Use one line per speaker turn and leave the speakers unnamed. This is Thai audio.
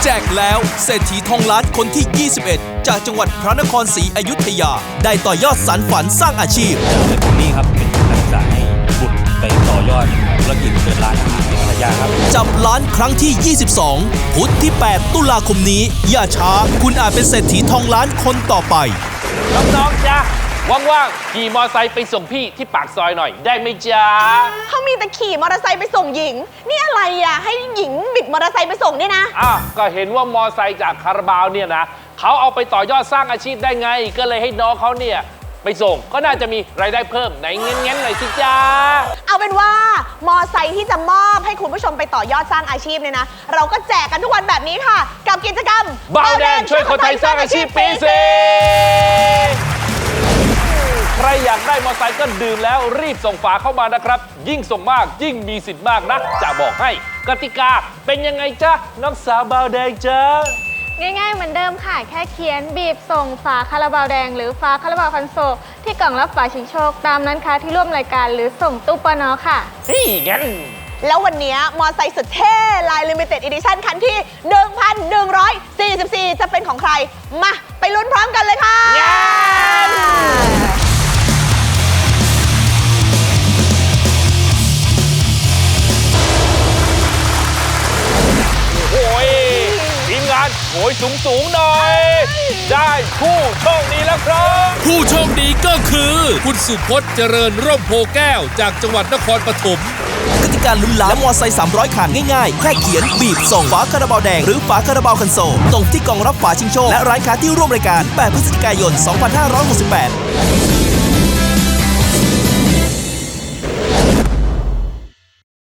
แจกแล้วเศรษฐีทองล้านคนที่ 21 จากจังหวัดพระนครศรีอยุธยาได้ต่อยอดสานฝันสร้างอาชีพ
ผมนี่ครับเป็นนักศึกษาให้บุตรไปต่อยอดธุรกิจเปิดร้านอาหารในภรรยาครับ
จับล้านครั้งที่ 22 พุธที่ 8 ตุลาคมนี้อย่าช้าคุณอาจเป็นเศรษฐีทองล้านคนต่อไป
น้องๆจ้ะว่างๆขี่มอไซค์ไปส่งพี่ที่ปากซอยหน่อยได้ไหมจ๊ะ
เขามีแต่ขี่มอเตอร์ไซค์ไปส่งหญิงนี่อะไรอ่ะให้หญิงบิดมอเตอร์ไซค์ไปส่งเนี่ยนะ
ก็เห็นว่ามอไซค์จากคาราบาวเนี่ยนะเขาเอาไปต่อยอดสร้างอาชีพได้ไงก็เลยให้น้องเขาเนี่ยไปส่งก็น่าจะมีรายได้เพิ่มไหนเงี้ยๆหน่อยสิจ๊ะ
เอาเป็นว่ามอไซค์ที่จะมอบให้คุณผู้ชมไปต่อยอดสร้างอาชีพเนี่ยนะเราก็แจกกันทุกวันแบบนี้ค่ะกับกิจกรรม
บาวแดงช่วยคนไทยสร้างอาชีพปี4ใครอยากได้มอเตอร์ไซค์ก็ดื่มแล้วรีบส่งฝาเข้ามานะครับยิ่งส่งมากยิ่งมีสิทธิ์มากนะจะบอกให้กติกาเป็นยังไงจ๊ะน้องสาวบาวแดงจ๊ะ
ง่ายๆเหมือนเดิมค่ะแค่เขียนบีบส่งฝาคาราบาวแดงหรือฝาคาราบาวคันโซลที่กล่องรับฝาชิงโชคตามนั้นค่ะที่ร่วมรายการหรือส่งตู้ปนค่ะ
นี่งั้น
แล้ววันนี้มอไซค์สุดเท่ลาย Limited Edition คันที่ 1,144 จะเป็นของใครมาไปลุ้นพร้อมกันเลยค่ะ
โอ้ยทีมงานโอยสูงหน่อยได้ผู้โชคดีแล้วครับ
ผู้โชคดีก็คือคุณสุพจน์เจริญร่มโพแก้วจากจังหวัดนครปฐมกติการลุ้นล้านและมอไซค์300คันง่ายๆแค่เขียนบีบส่งฝาคาราบาวแดงหรือฝาคาราบาวคันโซลส่งที่กล่องรับฝาชิงโชคและร้านค้าที่ร่วมรายการ8 พฤศจิกายน 2568